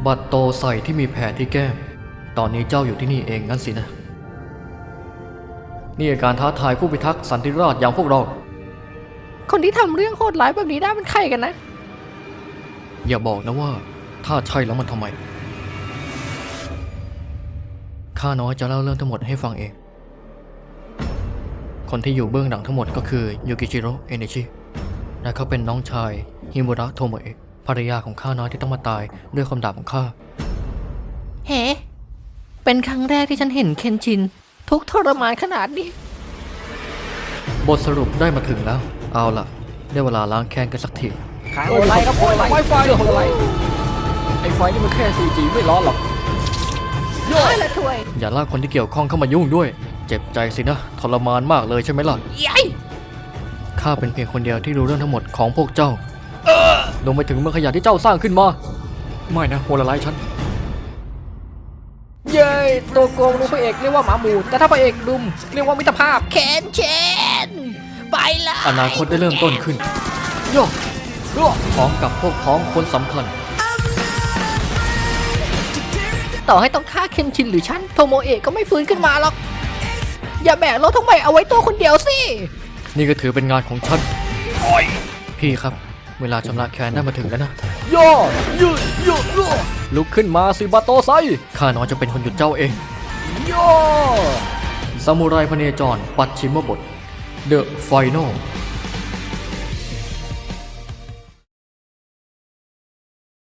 บัตรโตใส่ที่มีแผลที่แก้มตอนนี้เจ้าอยู่ที่นี่เองงั้นสินะนี่การท้าทายผู้พิทักษ์สันติราษฎร์อย่างพวกเราคนที่ทำเรื่องโหดร้ายแบบนี้ได้เป็นใครกันนะอย่าบอกนะว่าถ้าใช่แล้วมันทำไมข้าน้อยจะเล่าเรื่องทั้งหมดให้ฟังเองคนที่อยู่เบื้องหลังทั้งหมดก็คือยูกิจิโร่เอเนชิและเขาเป็นน้องชายฮิมุระโทโมเอะภรรยาของข้าน้อยที่ต้องมาตายด้วยความดาบของข้าเฮ้เป็นครั้งแรกที่ฉันเห็นเคนชินทุกทรมานขนาดนี้บทสรุปได้มาถึงแล้วเอาล่ะได้เวลาล้างแค้นกันสักทีขายอะไรครับโอ้ยไวไฟอะไรไอไฟนี่มันแค่ 4G ไม่ร้อนหรอกย้อยละถ้วยอย่าลากคนที่เกี่ยวข้องเข้ามายุ่งด้วยเจ็บใจสินะทรมานมากเลยใช่ไหมล่ะยัยข้าเป็นเพียงคนเดียวที่รู้เรื่องทั้งหมดของพวกเจ้าลงไปถึงเมืองขยะที่เจ้าสร้างขึ้นมาไม่นะโหดร้ายฉันเย้ตัวโกงดูพระเอกเรียกว่าหมาหมูแต่ถ้าพระเอกดุมเรียกว่ามิตรภาพเคนเชนไปละอนาคตได้เริ่มต้นขึ้นโย่พร้อมกับพวกพ้องคนสำคัญต่อให้ต้องฆ่าเคนชินหรือฉันโทโมเอะก็ไม่ฟื้นขึ้นมาหรอกอย่าแบกรถทั้งใบเอาไว้ตัวคนเดียวสินี่ก็ถือเป็นงานของฉันพี่ครับเวลาชำระแค้นได้มาถึงแล้วนะย่ยืดลุกขึ้นมาสิบาโตไซข้าน้อยจะเป็นคนหยุดเจ้าเองย่ซามูไรพเนจรปัดชิมบท The Final